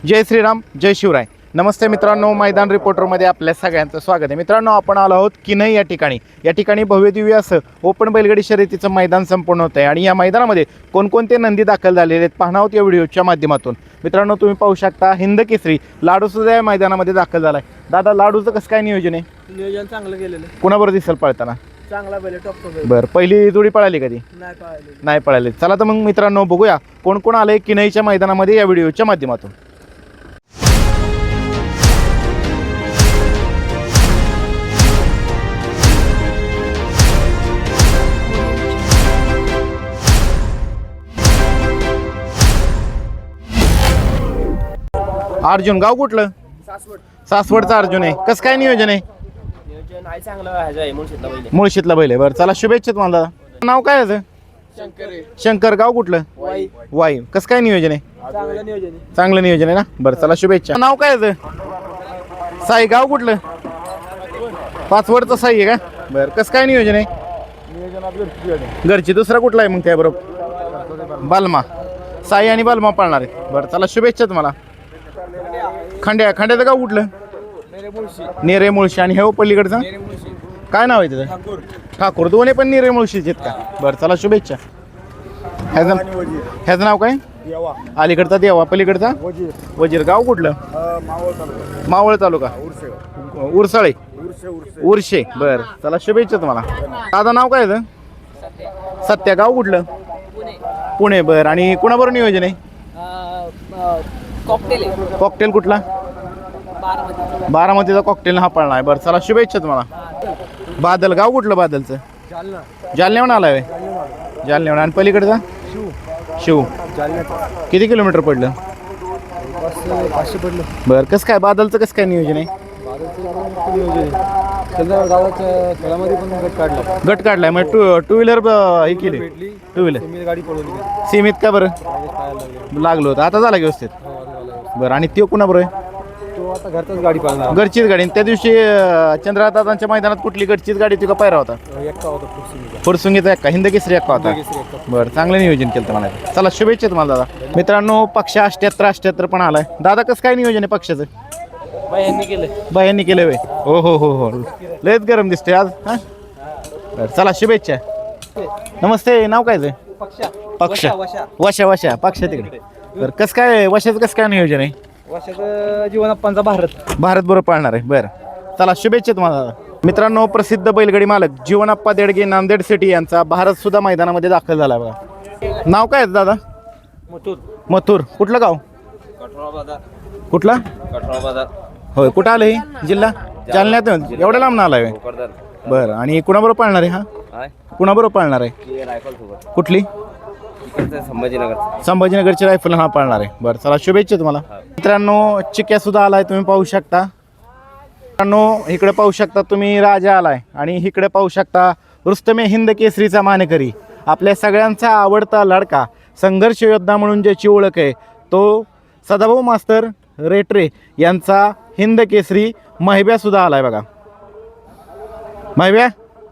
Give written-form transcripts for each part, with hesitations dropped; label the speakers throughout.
Speaker 1: जय श्रीराम, जय शिवराय. नमस्ते मित्रांनो, मैदान रिपोर्टरमध्ये आपल्या सगळ्यांचं स्वागत आहे. मित्रांनो, आपण आलो आहोत किनई या ठिकाणी भव्यदिव्य असं ओपन बैलगाडी शर्यतीचं मैदान संपूर्ण होतं आहे. आणि या मैदानामध्ये कोणकोणते नंदी दाखल झालेले आहेत पाहणार आहोत या व्हिडिओच्या माध्यमातून. मित्रांनो, तुम्ही पाहू शकता हिंद केसरी लाडू सुद्धा या मैदानामध्ये दाखल झाला आहे. दादा, लाडूचं कसं काय नियोजन आहे?
Speaker 2: नियोजन चांगलं केलेलं आहे.
Speaker 1: कोणाबरोबर दिसेल पळताना?
Speaker 2: चांगला बैल, टॉपचा बैल.
Speaker 1: बरं, पहिली जोडी पळाली कधी?
Speaker 2: नाही
Speaker 1: नाही पळाली. चला तर मग मित्रांनो, बघूया कोण कोण आले किनईच्या मैदानामध्ये या व्हिडिओच्या माध्यमातून. अर्जुन, गाव कुठलं? सासवडचा अर्जुन आहे. कसं काय नियोजन आहे?
Speaker 2: नियोजन आहे चांगलं आहे. मुळशीतला बैल.
Speaker 1: मुळशीतला बैल आहे. बरं, चला शुभेच्छा तुम्हाला. नाव काय याचं? शंकर. गाव कुठलं? वाई. कसं काय नियोजन आहे?
Speaker 2: चांगलं नियोजन आहे.
Speaker 1: चांगलं नियोजन आहे ना. बरं, चला शुभेच्छा. नाव काय याचं? साई. गाव कुठलं? पाचवडचं साई आहे का? बरं, कसं काय नियोजन आहे? घरची. दुसरा कुठला आहे मग त्याबरोबर? बालमा. साई आणि बालमा पाळणार आहे. बरं, चला शुभेच्छा तुम्हाला. खंड्याचं गाव कुठलं? नेरे मुळशी. आणि हे पलीकडचं काय नाव आहे त्याचं? ठाकूर. दोन्ही पण नेरे मुळशीचे आहेत का? बरं, चला शुभेच्छा. ह्याचं नाव काय? अलीकडचा देवा, पलीकडचा वजीर. गाव कुठलं? मावळ तालुका. उरसाळे. उरशे. बरं, चला शुभेच्छा तुम्हाला. दादा, नाव काय आहे? सत्या. गाव कुठलं? पुणे. बरं, आणि कुणाबरोबर नियोजन आहे? कॉकटेल. कुठला? बारामतीचा कॉकटेल हा पळणार आहे. बरं, चला शुभेच्छा तुम्हाला. बादल. गाव कुठलं बादलचं? जालन्याहून आलाय? जालन्याहून. आणि पलीकडचा? शिव. किती किलोमीटर पडलं?
Speaker 2: 500 पडलं.
Speaker 1: बरं, कसं काय बादलचं कसं काय नियोजन आहे?
Speaker 2: खेळामध्ये पण
Speaker 1: गट काढलाय मग टू व्हीलर हे केली? टू व्हीलर
Speaker 2: गाडी पळवली.
Speaker 1: सीमित का बरं लागलो होतं? आता झाला व्यवस्थित? बरं, आणि तो कुणाबरोबर आहे?
Speaker 2: तो आता घरचाच गाडी पळणार.
Speaker 1: घरचीच गाडी. त्या दिवशी चंद्रदादांच्या मैदानात कुठली घरचीच गाडी ती का पायरा होता?
Speaker 2: एकटा होता.
Speaker 1: फुरसुंगीचा एक्का, हिंद केसरी एक्का होता. बरं, चांगलं नियोजन केलं मला. चला शुभेच्छा तुम्हाला दादा. मित्रांनो, पक्ष 78 पण आलाय. दादा, कसं काय नियोजन आहे पक्षाचं? बायांनी केलं वे. हो. लयच गरम दिसते आज. हां, बरं, चला शुभेच्छा. नमस्ते. नाव काय? पक्ष. वशा. पक्ष तिकडे. बरं, कसं काय वशाचं कसं काय नियोजन आहे?
Speaker 2: वर्षाचं जीवनाप्पांचा भारत
Speaker 1: बरोबर पाळणार आहे. बरं, चला शुभेच्छा तुम्हाला. मित्रांनो, प्रसिद्ध बैलगाडी मालक जीवनाप्पा देडगे नांदेड सिटी यांचा भारत सुद्धा मैदानामध्ये दाखल झाला बघा. नाव काय आहे दादा? मथुर. कुठलं गाव? कुठला? होय. कुठं आलं हे? जिल्हा जालन्यात. एवढ्या लांब ना आलाय? बरं, आणि कुणाबरोबर पाळणार आहे हा? कुणाबरोबर पाळणार आहे? कुठली? संभाजीनगरची रायफल हा पाळणार आहे. बरं, चला शुभेच्छा तुम्हाला. मित्रांनो, चिक्या सुद्धा आलाय, तुम्ही पाहू शकता. मित्रांनो, इकडे पाहू शकता तुम्ही राजा आलाय. आणि इकडे पाहू शकता रुस्तमे हिंद केसरीचा मानकरी, आपल्या सगळ्यांचा आवडता लडका, संघर्ष योद्धा म्हणून ज्याची ओळख आहे तो सदाभाऊ मास्तर रेटरे यांचा हिंद केसरी महिब्या सुद्धा आलाय बघा. महिब्या.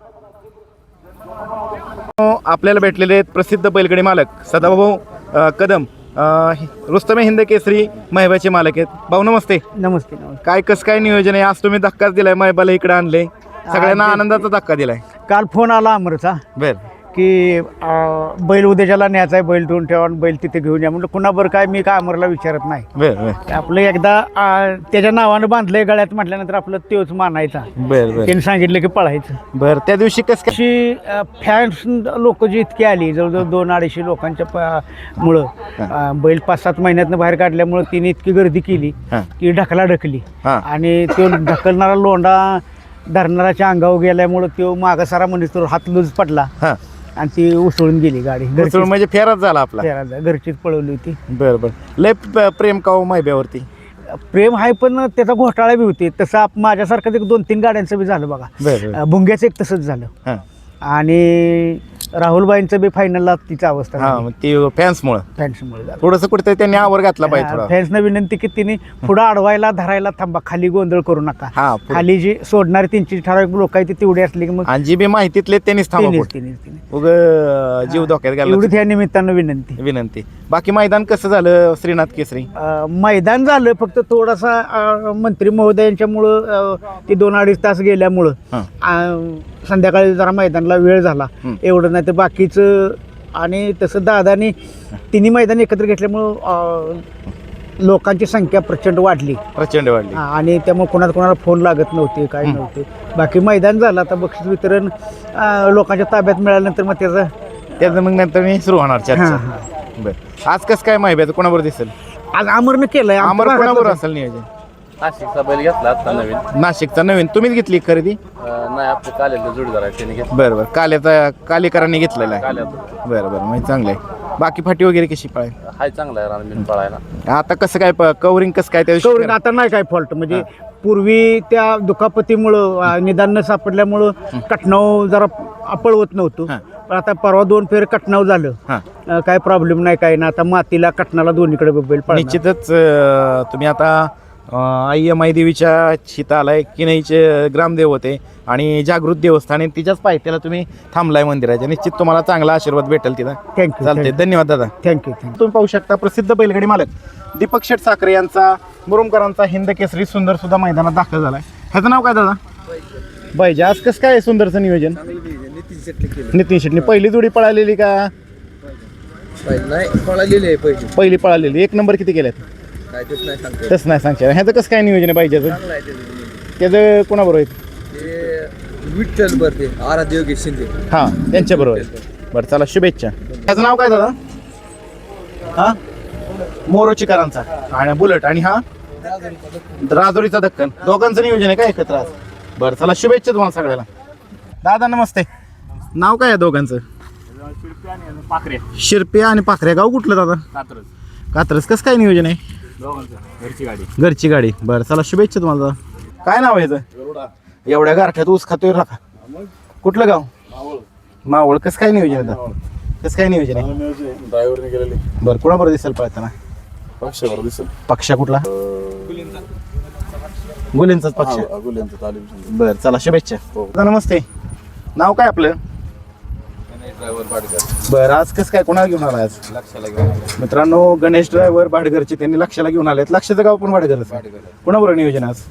Speaker 1: आपल्याला भेटलेले आहेत प्रसिद्ध बैलगाडी मालक सदाभाऊ कदम, रुस्तमे हिंद केसरी महिब्याचे मालक आहेत. भाऊ नमस्ते.
Speaker 2: नमस्ते.
Speaker 1: काय कसं काय नियोजन आहे? आज तुम्ही धक्काच दिलाय, महिबाला इकडे आणले, सगळ्यांना आनंदाचा धक्का दिलाय.
Speaker 2: काल फोन आला अमरचा की बैल उद्याच्याला न्यायचा आहे, बैल ठेवून ठेवा, बैल तिथे घेऊन या. म्हटलं कुणाबरोबर काय, मी काय अमरला विचारत नाही. आपलं एकदा त्याच्या नावानं बांधलंय गळ्यात म्हटल्यानंतर आपलं तोच मानायचा. त्यांनी सांगितलं की पळायचं.
Speaker 1: बरं, त्या दिवशी कसं
Speaker 2: कशी फॅन्स लोक जी इतकी आली, जवळजवळ 200-250 लोकांच्या मुळं बैल 5-7 महिन्यातनं बाहेर काढल्यामुळं तिने इतकी गर्दी केली की ढकली. आणि तो ढकलणारा लोंढा धरणाराच्या अंगावर गेल्यामुळं तो मागसारा म्हणजे हात लूज पडला आणि ती उसळून गेली गाडी.
Speaker 1: म्हणजे फेराच झाला आपला?
Speaker 2: घरचीच पळवली होती.
Speaker 1: बरं. लय प्रेम का महिब्यावरती?
Speaker 2: प्रेम आहे, पण त्याचा घोटाळा बी होते. तसं माझ्यासारखं 2-3 गाड्यांचं बी झालं बघा. भुंग्याचं एक तसंच झालं. आणि राहुलबाईंचं बी फायनलला तिची अवस्था
Speaker 1: हा मग ते फॅन्समुळं
Speaker 2: फॅन्समुळे झालं.
Speaker 1: थोडंसं कुठेतरी त्यांनी आवर घातला पाहिजे थोडा.
Speaker 2: फॅन्सनं विनंती की तिने पुढं अडवायला धरायला थांबा, खाली गोंधळ करू नका.
Speaker 1: हा पुढं.
Speaker 2: खाली जी सोडणारी त्यांची ठराविक लोक आहेत ती तेवढी असली की मग
Speaker 1: आणि जी बी माहितीतले त्यांनीच थांबा पुढं.
Speaker 2: तिने
Speaker 1: उग जीव धोक्यात
Speaker 2: एवढी
Speaker 1: घालला
Speaker 2: त्या निमित्तानं विनंती.
Speaker 1: विनंती. बाकी मैदान कसं झालं श्रीनाथ केसरी?
Speaker 2: मैदान झालं फक्त थोडासा मंत्री महोदयांच्यामुळं ते 2-2.5 तास गेल्यामुळं संध्याकाळी जरा मैदानाला वेळ झाला एवढं. नाही तर बाकीचं आणि तसं दादानी तिन्ही मैदान एकत्र घेतल्यामुळं लोकांची संख्या प्रचंड वाढली आणि त्यामुळे कोणाला फोन लागत नव्हते काय नव्हते. बाकी मैदान झालं. आता बक्षीस वितरण लोकांच्या ताब्यात मिळाल्यानंतर मग त्याचं
Speaker 1: मग नंतर मी सुरू होणार चर्चा. बरं आज कसं काय माहिती कोणाबरोबर दिसेल?
Speaker 2: आज अमरनं केलंय.
Speaker 1: अमर कोणाबरोबर असेल नियोजन?
Speaker 3: नाशिकचा बैल घेतला आता नवीन.
Speaker 1: नाशिकचा नवीन तुम्हीच घेतली खरेदी?
Speaker 3: नाही आपले कालेला जोडीदार आहे त्यांनी घेतला.
Speaker 1: बरं कालेकरांनी घेतलेला आहे. बरं म्हणजे चांगलं आहे. बाकी फाटी वगैरे कशी पाळाय?
Speaker 3: हाय चांगला आहे रानबीन पळायला.
Speaker 1: आता कसं काय कवरिंग कसं काय
Speaker 2: कवरिंग आता नाही काय फॉल्ट. म्हणजे पूर्वी त्या दुखापतीमुळं निदान न सापडल्यामुळं कटनाव जरा पळवत नव्हतं. पण आता परवा 2 फेर कटनाव झालं. काय प्रॉब्लेम नाही काय ना. आता मातीला कटनाला दोन्हीकडे बैल पळणार.
Speaker 1: निश्चितच तुम्ही आता आई देवीच्या शीता आलाय किनईचे ग्रामदेव होते आणि जागृत देवस्थान आहे तिच्याच पायथ्याला तुम्ही थांबलाय मंदिराच्या. निश्चित तुम्हाला चांगला आशीर्वाद भेटेल तिथं.
Speaker 2: थँक्यू.
Speaker 1: चालते. धन्यवाद दादा.
Speaker 2: थँक्यू.
Speaker 1: तुम्ही पाहू शकता प्रसिद्ध बैलगाडी मालक दीपक शेठ साखरे यांचा मुरुमकरांचा हिंद केसरी सुंदर सुद्धा मैदानात दाखल झालाय. ह्याचं नाव काय दादा? बैजा. आज कसं काय सुंदरचं नियोजन? नितीन शेटनी पहिली जोडी पळालेली का? पहिली पळालेली. 1 नंबर किती केल्यात? तसं नाही सांगता. ह्याचं कसं काय नियोजन आहे पाहिजे? त्याचं कोणाबरोबर आहे?
Speaker 3: विठ्ठल बरते आराध्य योगेश शिंदे.
Speaker 1: हां त्यांच्याबरोबर आहे. बरं चला शुभेच्छा. ह्याचं नाव काय दादा? हा मोरोचीकरांचा आणि बुलेट आणि हा राजुरीचा दक्कन. दोघांचं नियोजन आहे का एकत्र आज? बरं चला शुभेच्छा तुम्हाला सगळ्याला. दादा नमस्ते. नाव काय आहे दोघांचं? शिरप्या आणि पाखरे. गाव कुठलं दादा? कात्रज. कसं काय नियोजन आहे? घरची गाडी. बरं चला शुभेच्छा तुम्हाला दादा. काय नाव आहे याचं? एवढ्या गारठ्यात ऊस खातोय राखा. कुठलं गाव? मावळ. कसं काय नियोजन आहे दादा? कसं काय नियोजन आहे?
Speaker 3: ड्रायव्हरने गेलेले.
Speaker 1: बरं कोणाबरोबर दिसेल पळताना?
Speaker 3: पक्षावर दिसेल.
Speaker 1: पक्ष कुठला? गुलेंचाच पक्ष. बरं चला शुभेच्छा. नमस्ते. नाव काय आपलं? बरं आज कसं काय कोणाला घेऊन आला आज?
Speaker 3: लक्षाला घेऊन
Speaker 1: मित्रांनो गणेश ड्रायव्हर भाडघरचे त्यांनी लक्षाला घेऊन आलेत. लक्षाचं गाव पण भाडघरच. कोणाबरोबर नियोजन आज?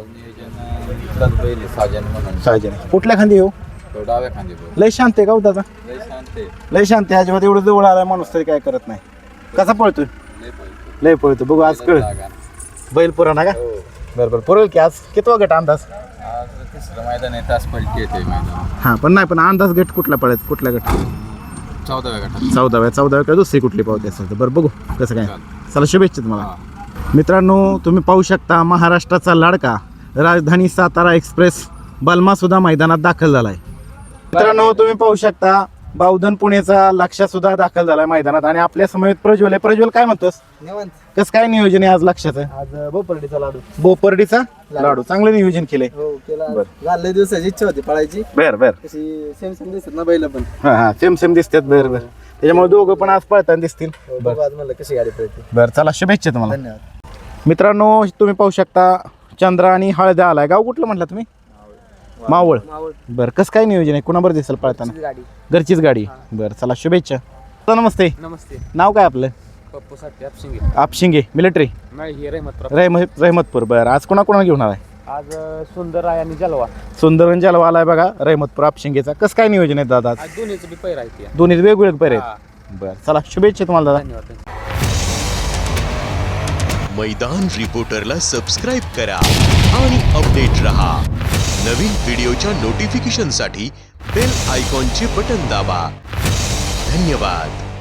Speaker 1: साजन. कुठल्या खांदी येऊ?
Speaker 3: डाव्या खांदी.
Speaker 1: लय शांत आहे गाव दादा. लय शांत आहे. अजिबात एवढं जवळ आलाय माणूस तरी काय करत नाही. कसा पळतोय? लय पळतो. बघू आज कळ बैल पुराणा का? बरं पुरेल की आज कितवा गट अंदाज?
Speaker 3: मैदान आहे तास पलटी येते मैदान.
Speaker 1: हां पण नाही पण अंदाज गट कुठला पळत? कुठल्या गट?
Speaker 3: 14व्या गटात.
Speaker 1: 14व्या का दुसरी कुठली पावती असेल तर? बरं बघू कसं काय. चला शुभेच्छा तुम्हाला. मित्रांनो तुम्ही पाहू शकता महाराष्ट्राचा लाडका राजधानी सातारा एक्सप्रेस बलमा सुद्धा मैदानात दाखल झालाय. मित्रांनो तुम्ही पाहू शकता बावधन पुणेचा लक्ष सुद्धा दाखल झालाय मैदानात आणि आपल्या समवेत प्रज्वल आहे. प्रज्वल काय म्हणतोस? कसं काय नियोजन आहे आज लक्षाचं?
Speaker 2: आज बोपर्डीचा लाडू.
Speaker 1: बोपर्डीचा लाडू. चांगलं नियोजन केलंय.
Speaker 2: झालं दिवसाची इच्छा होती पळायची.
Speaker 1: बर
Speaker 2: सेम दिसत ना बैल पण.
Speaker 1: हा सेम दिसतात. बरं त्याच्यामुळे दोघं पण आज पळताना दिसतील.
Speaker 2: आज म्हणलं कशी गाडी पळते.
Speaker 1: बरं चला शुभेच्छा तुम्हाला.
Speaker 2: धन्यवाद.
Speaker 1: मित्रांनो तुम्ही पाहू शकता चंद्रा आणि हळद्या आलाय. गाव कुठलं म्हटलं तुम्ही? मावळ. बरं कसं काय नियोजन आहे? कुणाबरोबर दिसेल पळताना? घरचीच गाडी. बरं चला शुभेच्छा. नमस्ते.
Speaker 3: नमस्ते.
Speaker 1: नाव काय आपलं?
Speaker 3: पप्पू साठी आपशिंगे.
Speaker 1: आपशिंगे मिलिटरी रहमतपूर. बरं आज कोणाकोणा घेऊन आलाय?
Speaker 2: आज सुंदर आहे आणि जलवा.
Speaker 1: सुंदर आणि जलवा आलाय बघा रहमतपूर आपशिंगेचा. कसं काय नियोजन आहे दादा?
Speaker 3: दोन्हीचं बी पैर आहे.
Speaker 1: दोन्ही वेगवेगळे पैर आहेत. बरं चला शुभेच्छा तुम्हाला दादा.
Speaker 3: धन्यवाद.
Speaker 4: मैदान रिपोर्टरला सबस्क्राइब करा आणि अपडेट रहा. नवीन व्हिडिओच्या नोटिफिकेशनसाठी बेल आयकॉनचे बटन दाबा. धन्यवाद.